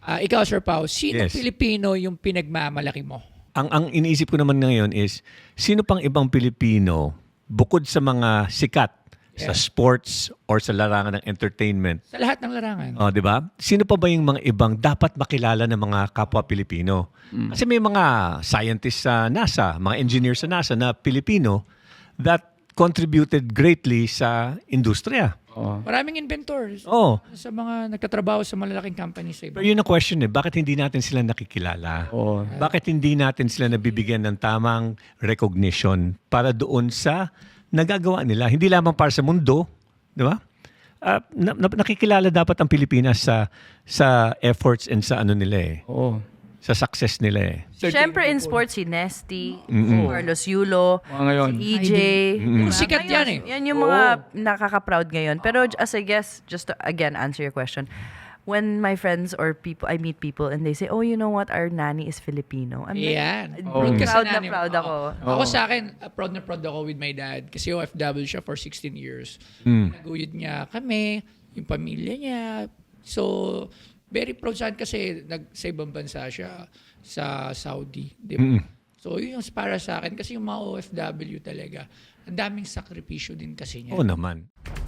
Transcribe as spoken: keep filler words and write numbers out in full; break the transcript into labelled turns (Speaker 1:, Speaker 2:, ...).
Speaker 1: Ah, ikaw, Sir Pao, sino
Speaker 2: Yes.
Speaker 1: Pilipino yung pinagmamalaki mo?
Speaker 2: Ang ang iniisip ko naman ngayon is, sino pang ibang Pilipino bukod sa mga sikat sa
Speaker 1: Yeah.
Speaker 2: sports or sa larangan ng entertainment,
Speaker 1: Sa lahat ng larangan.
Speaker 2: oh, 'di ba? Sino pa ba yung mga ibang dapat makilala ng mga kapwa Pilipino? Kasi may mga scientists sa NASA, mga engineers sa NASA na Pilipino that contributed greatly sa industriya.
Speaker 3: Oo.
Speaker 1: Maraming inventors
Speaker 2: Oh,
Speaker 1: sa mga nagtatrabaho sa malalaking companies sa
Speaker 2: pero
Speaker 1: iba.
Speaker 2: yun ang question eh, bakit hindi natin sila nakikilala?
Speaker 3: Oo.
Speaker 2: Bakit hindi natin sila nabibigyan ng tamang recognition para doon sa nagagawa nila? Hindi lamang para sa mundo, di ba? Ah, na- na- nakikilala dapat ang Pilipinas sa sa efforts and sa ano nila eh,
Speaker 3: Oo.
Speaker 2: sa success nila eh.
Speaker 4: Siyempre in sports, si Nesty,
Speaker 2: Mm-mm.
Speaker 4: Carlos Yulo,
Speaker 3: Mga ngayon.
Speaker 4: si E J.
Speaker 2: Mm-mm.
Speaker 4: Diba?
Speaker 1: Sikat
Speaker 4: Ngayon,
Speaker 1: yan eh.
Speaker 4: Yan yung mga nakaka-proud ngayon. Pero as I guess, just to again answer your question, when my friends or people, I meet people and they say, oh, you know what, our nanny is Filipino. I'm like,
Speaker 1: Yan.
Speaker 3: Oh.
Speaker 1: Proud ka sa
Speaker 4: Proud na
Speaker 1: nanay mo.
Speaker 4: proud ako.
Speaker 1: Oo. Ako
Speaker 3: Oo.
Speaker 1: sa akin, uh, proud na proud ako with my dad kasi O F W siya for sixteen years.
Speaker 2: Mm.
Speaker 1: Naguyod niya kami, yung pamilya niya. So, very proud sa akin kasi nag, sa ibang bansa siya sa Saudi. Di ba?
Speaker 2: Mm.
Speaker 1: So, yun yung para sa akin kasi yung mga O F W talaga, ang daming sakripisyo din kasi niya.
Speaker 2: Oo naman.